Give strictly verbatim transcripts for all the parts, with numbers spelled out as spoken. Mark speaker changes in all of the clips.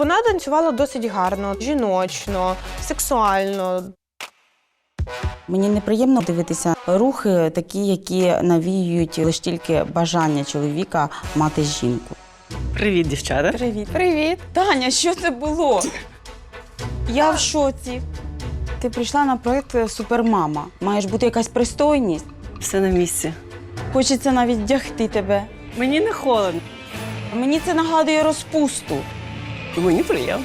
Speaker 1: Вона танцювала досить гарно, жіночно, сексуально.
Speaker 2: Мені неприємно дивитися рухи такі, які навіюють лише тільки бажання чоловіка мати жінку.
Speaker 3: Привіт, дівчата.
Speaker 2: Привіт.
Speaker 1: Привіт.
Speaker 2: Таня, що це було? Я в шоці. Ти прийшла на проєкт «Супермама». Маєш бути якась пристойність.
Speaker 3: Все на місці.
Speaker 2: Хочеться навіть вдягти тебе.
Speaker 3: Мені не холодно.
Speaker 2: Мені це нагадує розпусту.
Speaker 3: Мені приємно.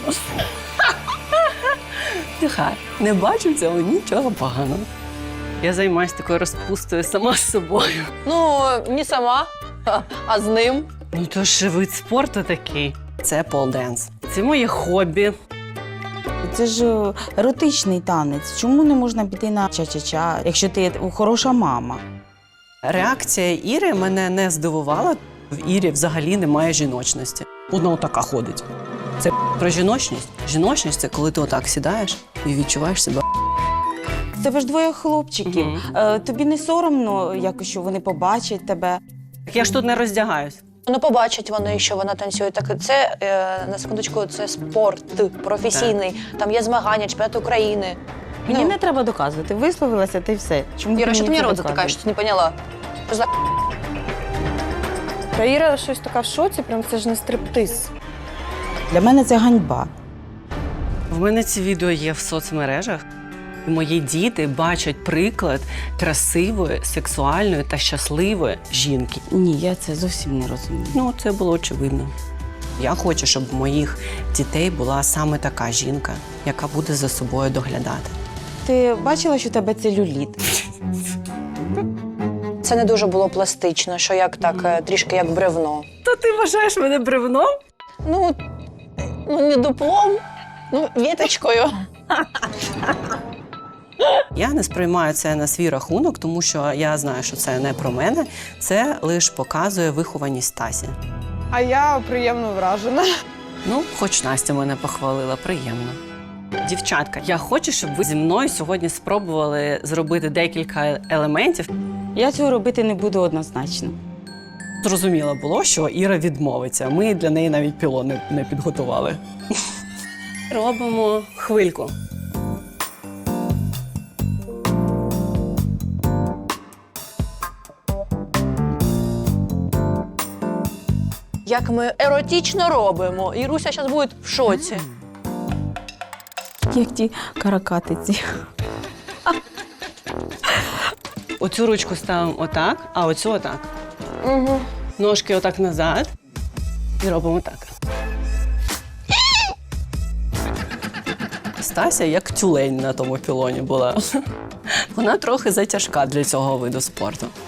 Speaker 3: Нехай. Не бачу в цьому нічого поганого. Я займаюся такою розпустою сама з собою.
Speaker 4: Ну, не сама, а з ним.
Speaker 3: Ну то ж вид спорту такий. Це полденс. Це моє хобі.
Speaker 2: Це ж е, еротичний танець. Чому не можна піти на ча-ча-ча, якщо ти хороша мама?
Speaker 3: Реакція Іри мене не здивувала. В Ірі взагалі немає жіночності. Вона отака ходить. Це про жіночність. Жіночність – це коли ти отак сідаєш і відчуваєш себе.
Speaker 2: В тебе ж двоє хлопчиків.
Speaker 3: Мгм.
Speaker 2: Е, тобі не соромно, якось, що вони побачать тебе?
Speaker 3: Я ж тут не роздягаюсь.
Speaker 4: Ну, побачать вони, що вона танцює. Так це, е, на секундочку, це спорт професійний. Там є змагання, чемпіонат України.
Speaker 2: Мені
Speaker 4: Ну.
Speaker 2: не треба доказувати. Висловилася, ти все. Чому
Speaker 4: Іра, що ти
Speaker 2: мені
Speaker 4: мені
Speaker 2: це
Speaker 4: рот
Speaker 2: доказуєш?
Speaker 4: затикаєш, що ти не поняла? Що за
Speaker 1: Та Іра щось така в шоці, прям це ж не стриптиз.
Speaker 2: Для мене це ганьба.
Speaker 3: В мене ці відео є в соцмережах. Мої діти бачать приклад красивої, сексуальної та щасливої жінки.
Speaker 2: Ні, я це зовсім не розумію.
Speaker 3: Ну, це було очевидно. Я хочу, щоб у моїх дітей була саме така жінка, яка буде за собою доглядати.
Speaker 2: Ти бачила, що у тебе целюліт?
Speaker 4: Це не дуже було пластично, що як так, е, трішки як бревно.
Speaker 3: То ти вважаєш мене бревном?
Speaker 4: Ну, ну не дуплом, ну, віточкою.
Speaker 3: Я не сприймаю це на свій рахунок, тому що я знаю, що це не про мене. Це лише показує вихованість Тасі.
Speaker 1: А я приємно вражена.
Speaker 3: Ну, хоч Настя мене похвалила, приємно. Дівчатка, я хочу, щоб ви зі мною сьогодні спробували зробити декілька елементів.
Speaker 2: Я цього робити не буду однозначно.
Speaker 3: Зрозуміло було, що Іра відмовиться. Ми для неї навіть пілон не, не підготували. Робимо хвильку.
Speaker 4: Як ми еротично робимо. Іруся зараз буде в шоці.
Speaker 2: Як ті каракатиці.
Speaker 3: Оцю ручку ставимо отак, а оцю отак.
Speaker 4: Угу.
Speaker 3: Ножки отак назад і робимо так. Стася як тюлень на тому пілоні була. Вона трохи затяжка для цього виду спорту.